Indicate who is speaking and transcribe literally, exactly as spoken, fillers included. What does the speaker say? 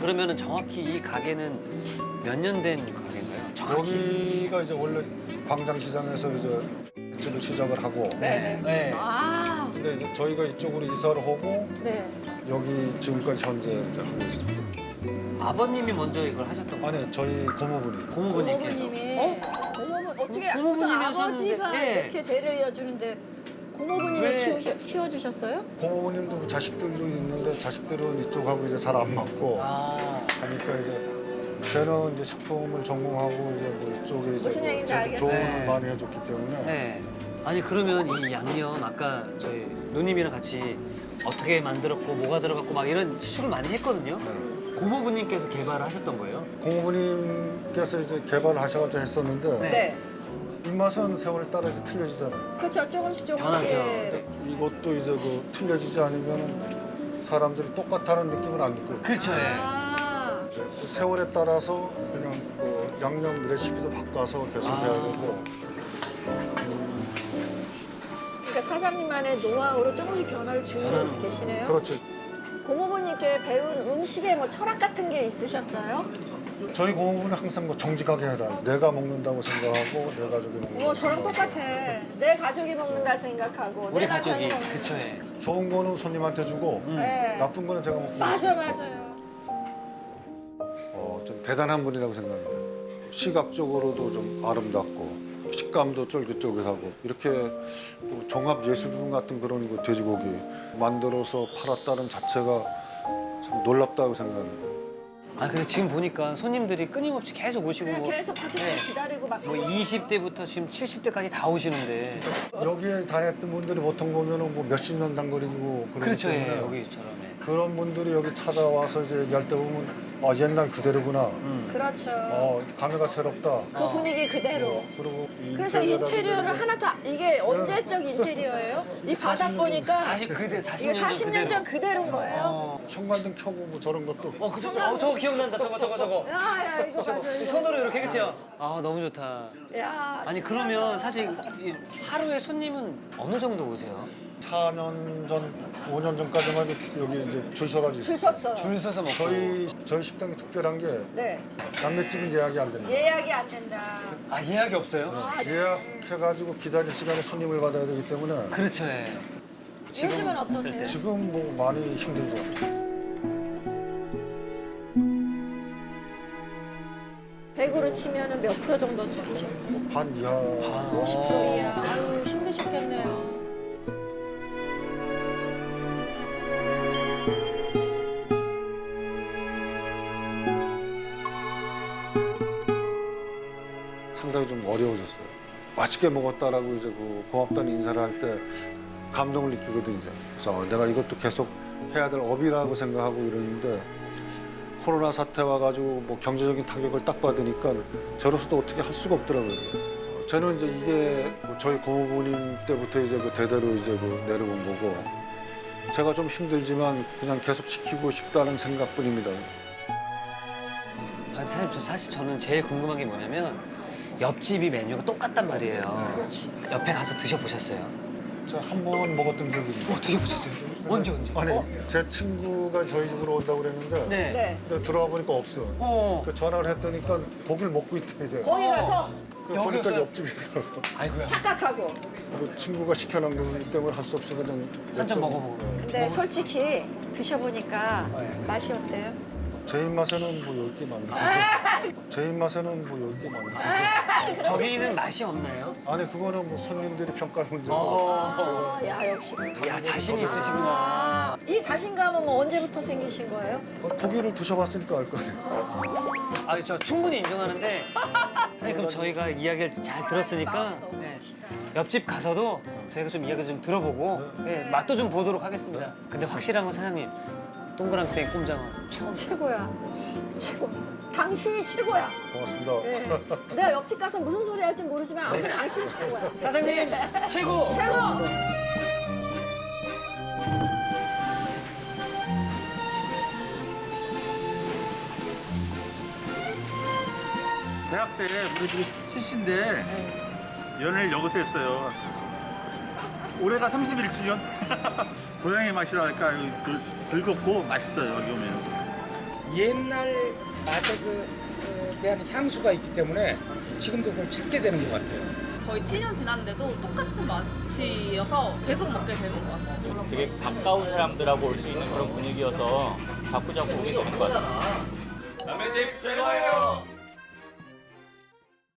Speaker 1: 그러면은 정확히 이 가게는 몇 년 된 가게인가요? 정확히.
Speaker 2: 여기가 이제 원래 광장시장에서 이제 집을 시작을 하고
Speaker 1: 네. 네.
Speaker 3: 아,
Speaker 2: 근데 이제 저희가 이쪽으로 이사를 하고
Speaker 3: 네.
Speaker 2: 여기 지금까지 현재 이제 하고 있습니다.
Speaker 1: 아버님이 먼저 이걸 하셨던 거예요?
Speaker 2: 아니 저희 고모분이
Speaker 1: 고모부님께서.
Speaker 3: 고모부님이 어? 고모부 어떻게
Speaker 1: 고모부님이셨는데,
Speaker 3: 아버지가
Speaker 1: 예.
Speaker 3: 이렇게 대를 이어주는데 고모부님이
Speaker 1: 왜?
Speaker 3: 키우셔, 키워주셨어요?
Speaker 2: 고모님도 자식들도 있는데 자식들은 이쪽하고 이제 잘 안 맞고
Speaker 1: 아.
Speaker 2: 하니까 이제 저는 이제 식품을 전공하고 이제 뭐 이쪽에 이제
Speaker 3: 무슨
Speaker 2: 뭐
Speaker 3: 얘기인지
Speaker 2: 저도
Speaker 3: 알겠어요.
Speaker 2: 조언을
Speaker 1: 네.
Speaker 2: 많이 해줬기 때문에
Speaker 1: 네. 아니 그러면 이 양념 아까 저희 누님이랑 같이 어떻게 만들었고 뭐가 들어갔고 막 이런 추측을 많이 했거든요.
Speaker 2: 네.
Speaker 1: 고모부님께서 개발을 하셨던 거예요?
Speaker 2: 고모님께서 이제 개발을 하셔가지고 했었는데
Speaker 1: 네.
Speaker 3: 네.
Speaker 2: 입맛은 세월 따라 이제 틀려지잖아요.
Speaker 3: 그렇죠. 조금씩 조금씩.
Speaker 1: 변하죠.
Speaker 2: 이것도 이제 그 틀려지지 않으면 사람들이 똑같다는 느낌을 안 느껴요.
Speaker 1: 그렇죠. 예.
Speaker 3: 아,
Speaker 2: 이제 그 세월에 따라서 그냥 그 양념 레시피도 바꿔서 계속
Speaker 1: 아.
Speaker 2: 해야 되고
Speaker 3: 그러니까 사장님만의 노하우로 조금씩 변화를 주고
Speaker 1: 변하는
Speaker 3: 계시네요.
Speaker 2: 그렇죠.
Speaker 3: 고모부님께 배운 음식에 뭐 철학 같은 게 있으셨어요?
Speaker 2: 저희 고모부는 항상 뭐 정직하게 해라. 내가 먹는다고 생각하고 내 가족이 먹는다고
Speaker 3: 어, 저랑
Speaker 2: 생각하고.
Speaker 3: 똑같아. 내 가족이 먹는다 생각하고
Speaker 1: 우리
Speaker 3: 내
Speaker 1: 가족이
Speaker 3: 남편이 먹는다.
Speaker 1: 그쵸. 예.
Speaker 2: 좋은 거는 손님한테 주고
Speaker 1: 음.
Speaker 3: 네.
Speaker 2: 나쁜 거는 제가 먹고
Speaker 3: 맞아, 맞아요.
Speaker 2: 어, 좀 대단한 분이라고 생각합니다. 시각적으로도 좀 아름답고 식감도 쫄깃쫄깃하고 이렇게 뭐 종합 예술품 같은 그런 거 돼지고기 만들어서 팔았다는 자체가 참 놀랍다고 생각합니다.
Speaker 1: 아 근데 지금 보니까 손님들이 끊임없이 계속 오시고
Speaker 3: 그냥
Speaker 1: 뭐,
Speaker 3: 계속 밖에서
Speaker 1: 네.
Speaker 3: 기다리고 막.
Speaker 1: 뭐 이십 대부터 지금 칠십 대까지 다 오시는데.
Speaker 2: 여기에 다녔던 분들이 보통 보면은 뭐 몇십 년 단거리고 그러기
Speaker 1: 그렇죠. 예.
Speaker 2: 때문에
Speaker 1: 여기처럼. 예.
Speaker 2: 그런 분들이 여기 찾아와서 이제 얘기할 때 보면 아 옛날 그대로구나.
Speaker 1: 음.
Speaker 3: 그렇죠.
Speaker 2: 어 감회가 새롭다.
Speaker 3: 그 분위기 그대로.
Speaker 2: 그리고 이
Speaker 3: 그래서
Speaker 2: 인테리어라든지
Speaker 3: 인테리어를
Speaker 2: 이런 거
Speaker 3: 하나 다 이게 언제적 인테리어예요? 이 바닥 보니까
Speaker 1: 사십 그대 사십
Speaker 3: 이게
Speaker 1: 년 전
Speaker 3: 사십 년 전 그대로인 거예요.
Speaker 1: 어.
Speaker 2: 현관등 켜고 뭐 저런 것도
Speaker 1: 어, 그 어, 저거 기억난다. 저거 저거 저거.
Speaker 3: 야, 야, 이거
Speaker 1: 저거.
Speaker 3: 맞아. 이거.
Speaker 1: 손으로 이렇게 그치요? 아, 너무 좋다.
Speaker 3: 야,
Speaker 1: 아니 그러면 사실 이 하루에 손님은 어느 정도 오세요?
Speaker 2: 사 년 전, 오 년 전까지만 해도 여기 이제 줄 서가지고
Speaker 3: 줄
Speaker 2: 있었어요.
Speaker 3: 섰어.
Speaker 1: 줄 서서 먹고.
Speaker 2: 저희 저희 식당이 특별한 게
Speaker 3: 네.
Speaker 2: 남매집은 예약이 안 됩니다.
Speaker 3: 예약이 안 된다.
Speaker 1: 아 예약이 없어요?
Speaker 3: 아,
Speaker 2: 예약해가지고 기다릴 시간에 손님을 받아야 되기 때문에
Speaker 1: 그렇죠. 예.
Speaker 3: 요즘은 어떠세요?
Speaker 1: 했을 때.
Speaker 2: 지금 뭐 많이 힘들죠.
Speaker 3: 백으로 치면은 몇 프로 정도 줄으셨어요?
Speaker 2: 반 이하.
Speaker 1: 아.
Speaker 3: 오십 퍼센트 이하. 아유, 힘드셨겠네요.
Speaker 2: 상당히 좀 어려워졌어요. 맛있게 먹었다라고 이제 그 고맙다는 인사를 할 때 감동을 느끼거든요. 그래서 내가 이것도 계속 해야 될 업이라고 생각하고 이러는데 코로나 사태 와가지고 뭐 경제적인 타격을 딱 받으니까 저로서도 어떻게 할 수가 없더라고요. 어, 저는 이제 이게 뭐 저희 고모부님 때부터 이제 그 대대로 이제 그 내려온 거고 제가 좀 힘들지만 그냥 계속 지키고 싶다는 생각뿐입니다.
Speaker 1: 아, 선생님, 저 사실 저는 제일 궁금한 게 뭐냐면 옆집이 메뉴가 똑같단 말이에요.
Speaker 3: 그렇지.
Speaker 1: 옆에 가서 드셔보셨어요?
Speaker 2: 제가 한 번 먹었던 기억이 있는데.
Speaker 1: 어, 드셔보셨어요? 언제 언제?
Speaker 2: 아니,
Speaker 3: 어?
Speaker 2: 제 친구가 저희 집으로 온다고 그랬는데
Speaker 1: 네.
Speaker 3: 네.
Speaker 2: 근데 들어와 보니까 없어.
Speaker 1: 어.
Speaker 2: 그 전화를 했더니까 고기를 먹고 있대 이제.
Speaker 3: 거기 가서
Speaker 2: 그 보니까
Speaker 1: 여기였어요?
Speaker 2: 옆집이더라고.
Speaker 1: 아이고야.
Speaker 3: 착각하고.
Speaker 2: 그 친구가 시켜놓은 거기 때문에 할 수 없어 그냥
Speaker 1: 한잔
Speaker 2: 여쭤보고.
Speaker 1: 먹어보고.
Speaker 2: 네.
Speaker 3: 근데 솔직히 드셔보니까
Speaker 1: 네.
Speaker 3: 맛이 어때요?
Speaker 2: 제 입맛에는 뭐 열 개 많네. 제 입맛에는 뭐 열 개 많네.
Speaker 1: 저기는 맛이 없나요?
Speaker 2: 아니 그거는 뭐 손님들이 평가할 문제고.
Speaker 1: 어.
Speaker 3: 아, 야, 역시.
Speaker 1: 야, 자신이 있으시구나.
Speaker 3: 아, 이 자신감은 뭐 언제부터 생기신 거예요?
Speaker 2: 어, 고기를 드셔봤으니까 알 거 아니에요.
Speaker 1: 아, 저 충분히 인정하는데. 아니, 그럼 저희가 이야기를 잘 들었으니까 네. 옆집 가서도 저희가 좀 이야기 좀 들어보고 네, 맛도 좀 보도록 하겠습니다. 근데 확실한 건 사장님, 동그랑땡 꼼장어 최고.
Speaker 3: 최고야. 최고. 당신이 최고야.
Speaker 2: 고맙습니다.
Speaker 3: 네. 내가 옆집 가서 무슨 소리 할지 모르지만 아무튼 당신 최고야.
Speaker 1: 사장님 최고.
Speaker 3: 최고!
Speaker 4: 대학 때 우리 집이 칠시인데 연애를 여기서 했어요. 올해가 삼십일 주년. 고향의 맛이라 할까 그 즐겁고 맛있어요 여기 오면.
Speaker 5: 옛날 맛에 그 어, 대한 향수가 있기 때문에 지금도 그걸 찾게 되는 것 같아요.
Speaker 6: 거의 칠 년 지났는데도 똑같은 맛이어서 계속 먹게 되는 것 같아요.
Speaker 7: 되게 가까운 사람들하고 올 수 있는 그런 분위기여서 자꾸 자꾸 오게 되는 것 같아요.
Speaker 8: 남의 집 최고예요.